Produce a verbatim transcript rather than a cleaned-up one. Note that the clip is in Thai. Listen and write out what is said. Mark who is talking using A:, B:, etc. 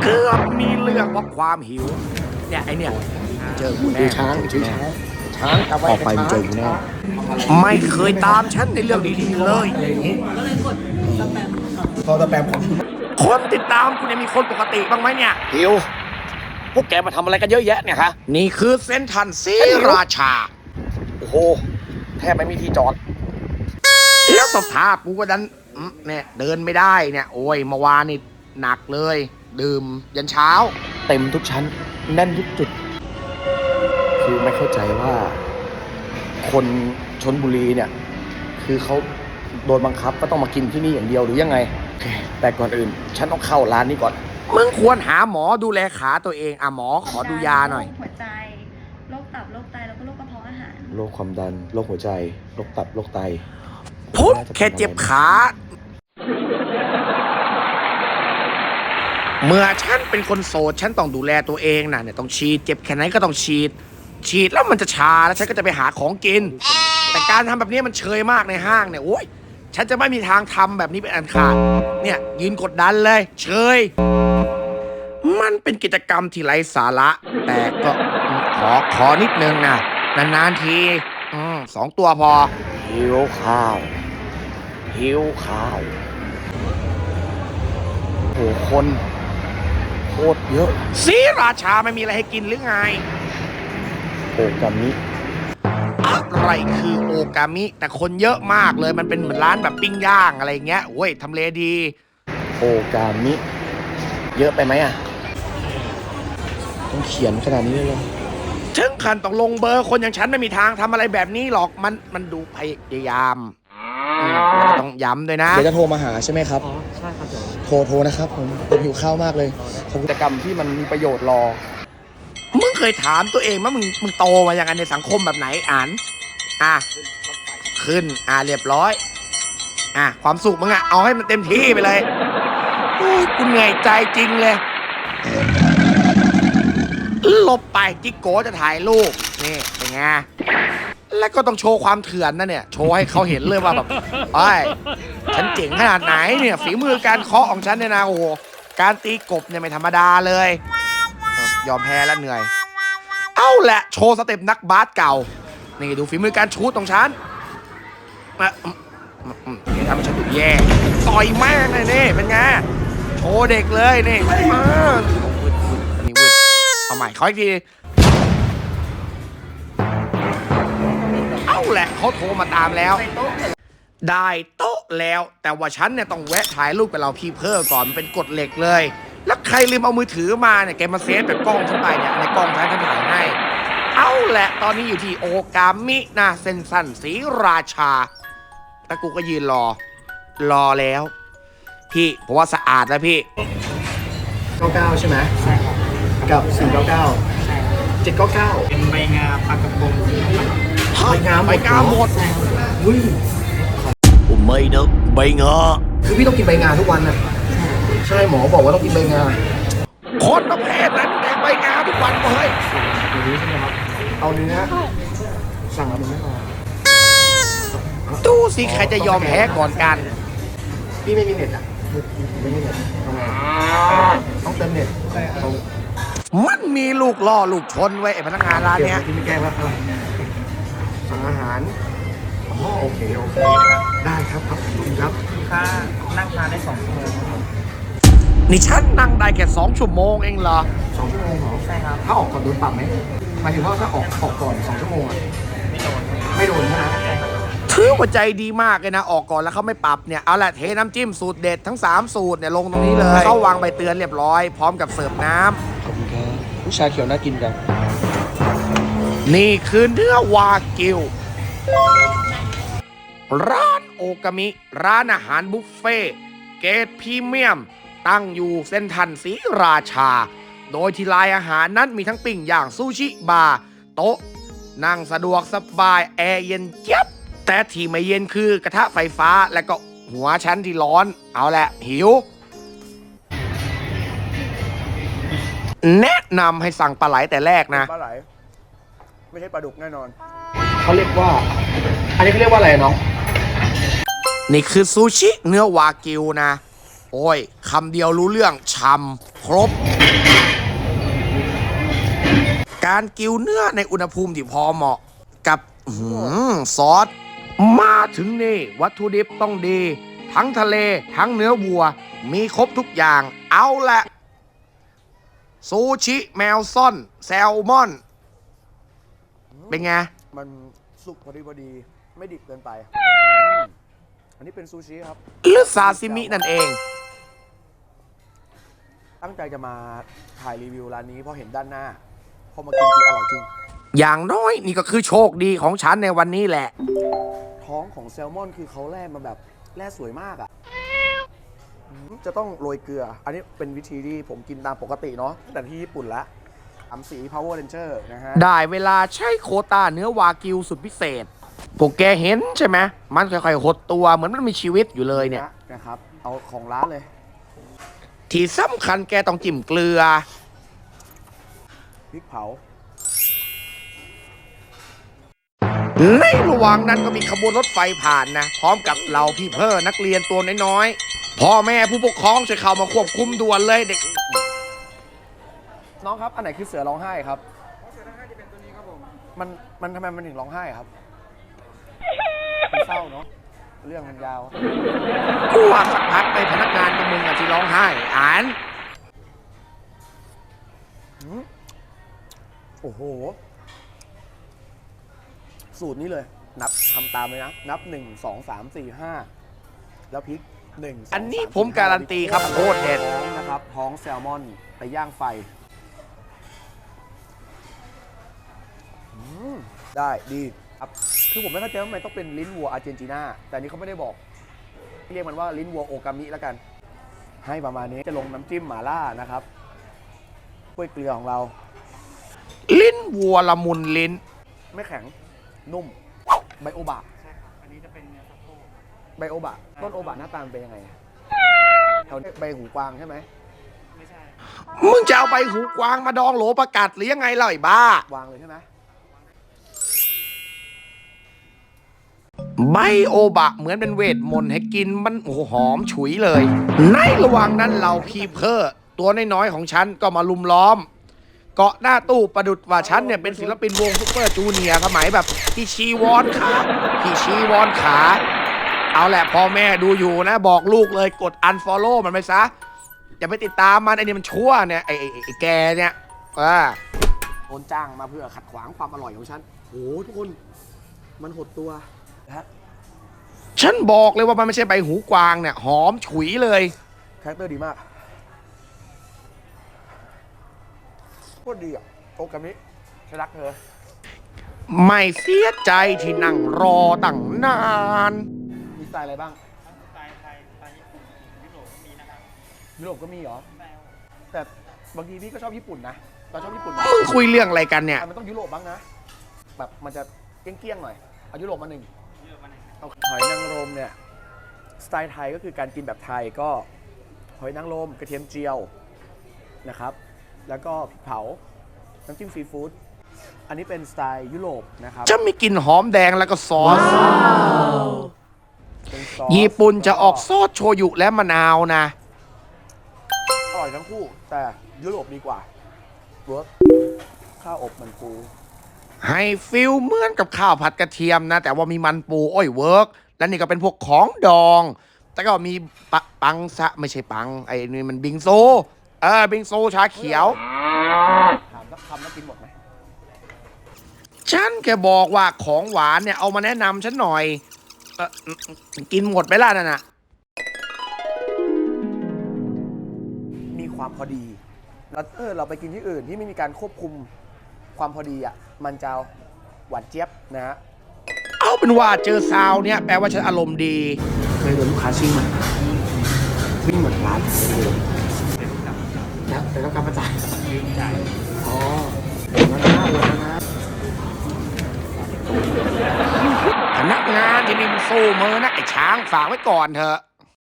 A: เกือบมีเรื่องเพราะความหิวเนี่ยไอเนี่ยเจอกูแน่
B: ช้างช้างช้างออกไปมันเจอกูแน่
A: ไม่เคยตามฉันในเรื่องดีๆเลย
C: ก็เลยกดสแปม
B: พอสแปมของ
A: คนติดตามกูเนี่ยมีคนปกติบ้างไหมเนี่ย
B: หิวพวกแกมาทำอะไรกันเยอะแยะเนี่ยคะ
A: นี่คือเส้นทันศรีราชา
B: โอ้โหแทบไม่มีที่จอด
A: แล้วสภาพกูก็ดันอืมเนี่ยเดินไม่ได้เนี่ยโอ้ยเมื่อวานนี่หนักเลย ดื่มยันเช้า
B: เต็มทุกชั้นแน่นทุกจุด คือไม่เข้าใจว่า คนชลบุรีเนี่ย คือเขาโดนบังคับก็ต้องมากินที่นี่อย่างเดียวหรือยังไง แต่ก่อนอื่น ฉันต้องเข้าร้านนี้ก่อน
A: มึงควรหาหมอดูแลขาตัวเองอ่ะหมอขอดูยาหน่อย
C: หัวใจโรคตับโรคไตแล้วก็โรคกระเพาะอาหาร
B: โรคความดันโรคหัวใจโรคตับโรคไต
A: พุทธแค่เจ็บขา เมื่อฉันเป็นคนโสดฉันต้องดูแลตัวเองนะเนี่ยต้องฉีดเจ็บแค่ไหนก็ต้องฉีด ฉีดแล้วมันจะชาแล้วฉันก็จะไปหาของกิน แต่การทำแบบนี้มันเชยมากในห้างเนี่ยโอ้ยฉันจะไม่มีทางทำแบบนี้เป็นอันขาดเนี่ยยืนกดดันเลยเชยมันเป็นกิจกรรมที่ไร้สาระ แต่ก็ขอขอนิดนึงนะนานๆทีอืมสองตัวพอ
B: หิวข้าวหิวข้าวโอ้โหคนโคตรเยอะ
A: ศรีราชาไม่มีอะไรให้กินหรือไง
B: โอกามิ
A: อะไรคือโอกามิแต่คนเยอะมากเลยมันเป็นเหมือนร้านแบบปิ้งย่างอะไรเงี้ยโอ้ยทำเลดี
B: โอกามิเยอะไปไหมอ่ะต้องเขียนขนาดนี้เลยเหรอ
A: ถึงขั้นต้องลงเบอร์คนอย่างฉันไม่มีทางทำอะไรแบบนี้หรอกมันมันดูพยายามอืมแล้วก็ต้องย้ำด้วยนะ
B: เดี๋ยวจะโทรมาหาใช่ไหมครับ
D: อ๋อใช่ครับเดี๋ยว
B: โทรโทรนะครับผมผมหิวข้าวมากเลยขอบคุณกิจกรรมที่มันมีประโยชน์รอ
A: มึงเคยถามตัวเองว่ามึงมึงโตมาอย่างไงในสังคมแบบไหนอ่านอ่ะขึ้นอ่ะเรียบร้อยอ่ะความสุขมึงอ่ะเอาให้มันเต็มที่ไปเลยโอ้ยกูเหนื่อยใจจริงเลยหลบไปจิโก้จะถ่ายรูปนี่เป็นไงแล้วก็ต้องโชว์ความเถื่อนนะเนี่ยโชว์ให้เขาเห็นเลยว่าแบบไอ้ยฉันเจ๋งขนาดไหนเนี่ยฝีมือการเคาะของฉันเนี่ยนะโอ้โหการตีกบเนี่ยไม่ธรรมดาเลยยอมแพ้แล้วเหนื่อยเอาแหละโชว์สเต็ปนักบาสเก่านี่ดูฝีมือการชูตของฉันมาอืมอืมอืมอย่าทำให้ฉันดูแย่ต่อยแม่งเลยนี่เป็นไงโชว์เด็กเลยนี่มาวืดวืดอันนี้วืดเอาใหม่ขออีกทีเอาแหละเขาโทรมาตามแล้วได้โต๊ะแล้วแต่ว่าฉันเนี่ยต้องแวะถ่ายรูปกับเราพี่เพิ่มก่อนมันเป็นกฎเหล็กเลยแล้วใครลืมเอามือถือมาเนี่ยแกมาเซฟแบบกล้องฉันไปเนี่ยในกล้องฉันฉันถ่ายให้เอาแหละตอนนี้อยู่ที่โอกามินะเส้นสั้นศรีราชาแล้วกูก็ยืนรอรอแล้วพี่ผมว่าสะอาดแล้วพี่
B: เก้าเก้าใช่ไหม
D: ใช่ครับ
B: กับสี่เก้าเก้า
D: ใช่ครับ
B: เจ็ดเก้าเก้า
D: เป็นใบงาปลากระพง
A: ใบงาใบงาหมด
B: อุ้ย
A: ผมไม่เนอะใบงา
B: คือพี่ต้องกินใบงาทุกวันน่ะใช่หมอบอกว่าต้องกินใบงา
A: คนประเภทนั้นแดกใบงาทุกวันเลย
B: อย่างนี้ใช่ไหมครับเอาเนื้อสั่งเอาเนื้อมา
A: ดูสิใครจะยอมแพ้ก่อนกัน
B: พี่ไม่มีเน็ตอ่ะไม่มีเน็ตทำไงต้องเติมเน็ตแต่เขา
A: มันมีลูกล่อลูกชนไว้ไอ้พนักงานร้านเนี้ย
B: ที่ไม่แก้ว่าอะไรสั่งอาหารอ๋อโอเคโอเคได้ครับครับขอบคุณครับ
D: ค่านั่งทานได้สองชั่วโมงครับผม
A: นี่ฉันนั่งได้แค่สองชั่วโมงเองเหรอ
B: สองชั่วโมงเหรอ
D: ใช่ครับ
B: ถ้าออกก่อนโดนปรับไหมหมายถึงว่าถ้าออกออกก่อนสองชั่วโมงอ่ะไม่โดนใช่ไหม
A: ถือว่าใจดีมากเลยนะ ออกก่อนแล้วเขาไม่ปรับเนี่ย เอาละเทน้ำจิ้มสูตรเด็ดทั้งสามสูตรเนี่ยลงตรงนี้เลย เข้าวางใบเตือนเรียบร้อยพร้อมกับเสิร์ฟน้ำ
B: ขอบคุณครับผู้ชาเขียวน่ากินจัง
A: นี่คือเนื้อวากิว ร้านโอกามิ ร้านอาหารบุฟเฟ่เกรดพรีเมียม ตั้งอยู่เส้นทันศรีราชา โดยที่ลายอาหารนั้นมีทั้งปิ้งย่างซูชิบาร์โต๊ะ นั่งสะดวกสบายแอร์เย็นเจี๊ยบ แต่ที่ไม่เย็นคือกระทะไฟฟ้าและก็หัวชั้นที่ร้อน เอาแหละหิว แนะนำให้สั่งปลาไหลแต่แรกนะ
B: ปลาไหลไม่ใช่ปลาดุกแน่นอนเขาเรียกว่า อันนี้เขาเรียกว่าอะไรน้อง
A: นี่คือซูชิเนื้อวากิวนะ โอ้ยคำเดียวรู้เรื่องชำครบ การกิวเนื้อในอุณหภูมิที่พอเหมาะกับอื้อหือซอส มาถึงนี่วัตถุดิบต้องดี ทั้งทะเลทั้งเนื้อวัว มีครบทุกอย่าง เอาละซูชิ แมวซ่อน แซลมอน เป็นไง
B: มันสุกพอดีพอดีไม่ดิบเกินไป อันนี้เป็นซูชิครับ
A: หรือซาซิมินั่นเอง
B: ตั้งใจจะมาถ่ายรีวิวร้านนี้เพราะเห็นด้านหน้า พอมากินจริงอร่อยจริง
A: อย่างน้อยนี่ก็คือโชคดีของฉันในวันนี้แหละ
B: ท้องของแซลมอนคือเขาแล่มาแบบแล่สวยมากอะ่ะอืมจะต้องโรยเกลือ อันนี้เป็นวิธีที่ผมกินตามปกติเนาะตั้งแต่ที่ญี่ปุ่นละสามสี Power Ranger นะฮะ
A: ได้เวลาใช้โควต้าเนื้อวากิวสุดพิเศษ พวกแกเห็นใช่ไหม มันค่อยๆหดตัวเหมือนมันมีชีวิตอยู่เลยเนี่ย
B: นะครับ เอาของร้านเลย
A: ที่สำคัญแกต้องจิ้มเกลือ
B: พริกเผา
A: ในระหว่างนั้นก็มีขบวนรถไฟผ่านนะ พร้อมกับเหล่าพี่เพื่อนักเรียนตัวน้อยๆ พ่อแม่ผู้ปกครองช่วยเข้ามาควบคุมด่วนเลยเด็ก
B: น้องครับ อันไหนคือเสือร้องไห้ครับ เสือร้องไห้จะเป็นตัวนี้ครับผม มัน มันทำไมมันถึงร้องไห้ครับมันเศร้าเนาะ เรื่องมันยาว
A: กูว่าสักพักไปพนักงานกับมึงอะที่ร้องไห้ อ่าน
B: โอ้โห สูตรนี้เลย นับทำตามเลยนะ นับหนึ่งสองสามสี่ห้าแล้วพริกหนึ่ง
A: อันนี้ผมการันตีครับโคตรเด็ด
B: ท้องนะครับ ท้องแซลมอนไปย่างไฟอืมได้ดีครับ คือผมไม่เข้าใจว่าทำไมต้องเป็นลิ้นวัวอาร์เจนตินา แต่อันนี้เขาไม่ได้บอก เรียกมันว่าลิ้นวัวโอกามิแล้วกัน ให้ประมาณนี้จะลงน้ำจิ้มหม่าล่านะครับกล้วยเกลือของเรา
A: ลิ้นวัวละมุนลิ้น
B: ไม่แข็ง นุ่ม ไบโอบะ
D: ใช่ครับ อันนี้จะเป็นเนื้อสะโพก
B: ไบโอบะ ต้นโอบะหน้าตามันเป็นยังไงแถวนี้ใบหูกวางใช่ไหม
D: ไม่ใช่
A: มึงจะเอาใบหูกวางมาดองโหลประกาศหรือยังไงเล่าไอ้บ้า
B: วางเลยใช่ไหม
A: ไบโอบะเหมือนเป็นเวทมนต์ให้กินมันโอ้โหหอมฉุยเลย ในระหว่างนั้นเราพีเพอร์ตัวน้อยๆของฉันก็มาลุมล้อม เกาะหน้าตู้ประดุดว่าฉันเนี่ยเป็นศิลปินวงซุปเปอร์จูเนียร์สมัยแบบพี่ชีวอนขาพี่ชีวอนขา เอาแหละพ่อแม่ดูอยู่นะ บอกลูกเลยกด unfollow มันไปซะ อย่าไปติดตามมันไอ้นี่มันชั่วเนี่ยไอ้ไอ้ไอ้แกเนี่ยอ่า
B: โดนจ้างมาเพื่อขัดขวางความอร่อยของฉันโอ้โหทุกคน มันหดตัวนะฮะ
A: ฉันบอกเลยว่ามันไม่ใช่ใบหูกวางเนี่ยหอมฉุยเลย
B: คาแรคเตอร์ดีมากโคตรดีอ่ะโอกามิฉันรักเธอ
A: ไม่เสียใจที่นั่งรอตั้งนาน
B: มีสไตล์อะไรบ้าง
D: ทั้งสไตล์ไทยสไตล์ญี่ปุ่นยุโรปก็มีนะครับ
B: ยุโรปก็มีเหรอ
D: แมว
B: แต่บางทีพี่ก็ชอบญี่ปุ่นนะเราชอบญี่ปุ่นนะ
A: มึงคุยเรื่องอะไรกันเนี่ย
B: แต่มันต้องยุโรปบ้างนะ แบบมันจะเกี้ยงๆหน่อย เอายุโรปมาหนึ่ง
D: เยอะมาหนึ่ง
B: เอาหอยนางรมเนี่ย สไตล์ไทยก็คือการกินแบบไทยก็หอยนางรมกระเทียมเจียวนะครับ แล้วก็พริกเผา น้ำจิ้มซีฟู้ด อันนี้เป็นสไตล์ยุโรปนะครับ
A: จะมีกลิ่นหอมแดงแล้วก็ซอส
B: เป็นซอส
A: ญี่ปุ่นจะออกซอสโชยุและมะนาวนะ
B: อร่อยทั้งคู่ แต่ยุโรปดีกว่าเวิร์กข้าวอบมันปู
A: ให้ฟิลเหมือนกับข้าวผัดกระเทียมนะ แต่ว่ามีมันปูอ้อยเวิร์กและนี่ก็เป็นพวกของดอง แต่ก็มีปะปังซะไม่ใช่ปัง ไอ้นี่มันบิงโซ เออบิงโซชาเขียว
B: ถามสักคำแล้วกินหมดไหม
A: ฉันแค่บอกว่าของหวานเนี่ยเอามาแนะนำฉันหน่อยเออกินหมดไปล่ะนั่นน่ะ
B: มีความพอดีแล้วเออเราไปกินที่อื่นที่ไม่มีการควบคุมความพอดีอ่ะ มันจะหวานเจี๊ยบนะฮะ
A: เอาเป็นว่าเจอซาวเนี่ยแปลว่าฉันอารมณ์ดี
B: เคยโดนลูกค้าชิ่งไหมวิ่งหมดร้านเลยแล้วแต่ต้องการมาจ่าย
D: ยืมจ่าย
B: อ๋อมาหน้าเลยนะ
A: พนักงานที่นี่มันสู้มือนะไอ้ช้างฝากไว้ก่อนเถอะ